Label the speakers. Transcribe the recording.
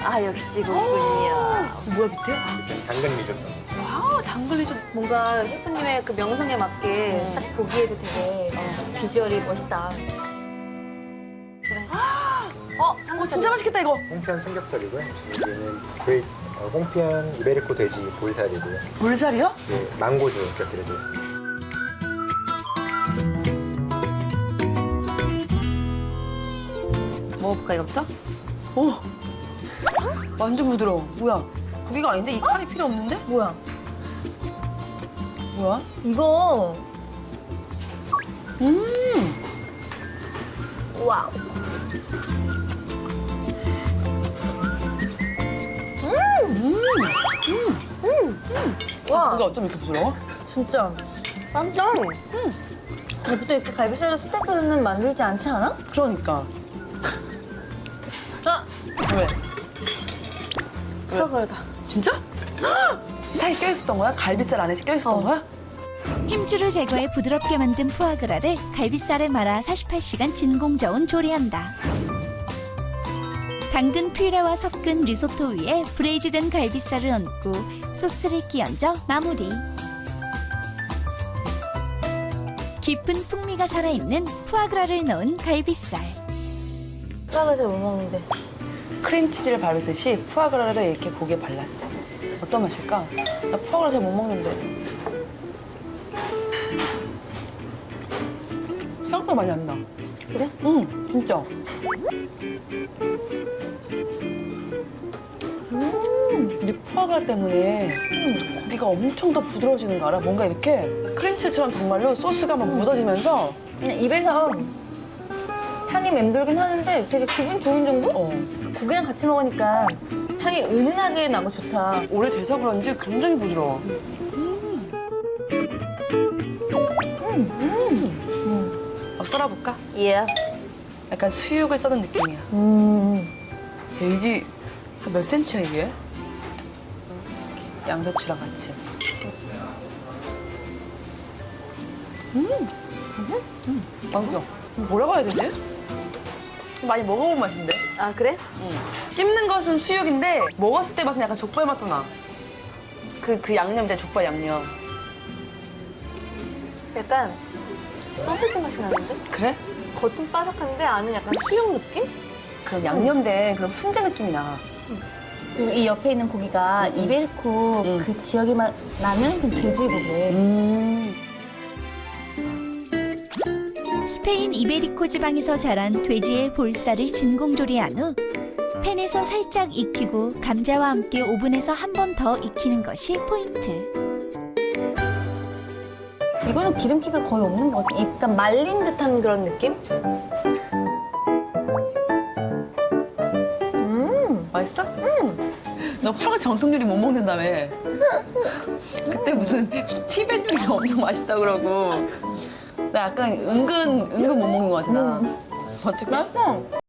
Speaker 1: 아, 역시 그렇군요.
Speaker 2: 뭐야 밑에?
Speaker 3: 당근 리조또.
Speaker 2: 와 당근 리조또.
Speaker 1: 뭔가 셰프님의 그 명성에 맞게 딱 보기에도 되게 비주얼이 멋있다. 그래.
Speaker 2: 진짜 맛있겠다 이거.
Speaker 3: 홍편 삼겹살이고요. 여기는 홍편 이베리코 돼지 볼살이고요.
Speaker 2: 볼살이요?
Speaker 3: 네, 망고주 곁들여져 있습니다.
Speaker 1: 먹어볼까, 이거부터?
Speaker 2: 오. 완전 부드러워. 뭐야? 고기가 아닌데 이 칼이 필요 없는데?
Speaker 1: 뭐야?
Speaker 2: 뭐야?
Speaker 1: 이거. 와우. 와,
Speaker 2: 고기가 어쩜 이렇게 부드러워?
Speaker 1: 진짜. 깜짝. 근데 보통 이렇게 갈비살로 스테이크는 만들지 않지 않아?
Speaker 2: 그러니까.
Speaker 1: 아!
Speaker 2: 왜?
Speaker 1: 푸아그라다.
Speaker 2: 진짜? 사이 껴있었던 거야? 갈비살 안에 껴있었던 거야?
Speaker 4: 힘줄을 제거해 부드럽게 만든 푸아그라를 갈비살에 말아 48시간 진공저온 조리한다. 당근 퓨레와 섞은 리소토 위에 브레이즈된 갈비살을 얹고 소스를 끼얹어 마무리. 깊은 풍미가 살아있는 푸아그라를 넣은 갈비살.
Speaker 1: 푸아그라 잘 못 먹는데.
Speaker 2: 크림치즈를 바르듯이 푸아그라를 이렇게 고기에 발랐어. 어떤 맛일까? 나 푸아그라 잘 못 먹는데. 생각보다 많이 안 나.
Speaker 1: 그래?
Speaker 2: 응, 진짜. 이 푸아그라 때문에 고기가 엄청 더 부드러워지는 거 알아? 뭔가 이렇게 크림치즈처럼 정말로 소스가 막 묻어지면서
Speaker 1: 그냥 입에서 향이 맴돌긴 하는데 되게 기분 좋은 정도? 고기랑 같이 먹으니까 향이 은은하게 나고 좋다.
Speaker 2: 오래돼서 그런지 굉장히 부드러워. 막 썰어볼까?
Speaker 1: 예.
Speaker 2: 약간 수육을 써는 느낌이야. 이게 한 몇 센치야 이게? 양배추랑 같이. 맛있어. 뭐라고 해야 되지? 많이 먹어본 맛인데?
Speaker 1: 아, 그래?
Speaker 2: 씹는 것은 수육인데 먹었을 때 맛은 약간 족발 맛도 나. 그 양념 있잖아, 족발 양념.
Speaker 1: 약간 소세지 맛이 나는데?
Speaker 2: 그래?
Speaker 1: 겉은 바삭한데 안은 약간 수육 느낌?
Speaker 2: 그런 양념된 그런 훈제 느낌이 나.
Speaker 1: 그리고 이 옆에 있는 고기가 이베리코 그 지역에 나는 그 돼지고기.
Speaker 4: 스페인 이베리코 지방에서 자란 돼지의 볼살을 진공조리한 후 팬에서 살짝 익히고 감자와 함께 오븐에서 한 번 더 익히는 것이 포인트.
Speaker 1: 이거는 기름기가 거의 없는 것 같아. 약간 말린 듯한 그런 느낌?
Speaker 2: 맛있어? 너 프랑스 정통 요리 못 먹는다며. 그때 무슨 티벳 요리가 엄청 맛있다 그러고. 나 약간 은근 못 먹는 것 같아, 나. 어떡해?
Speaker 1: 맛있어.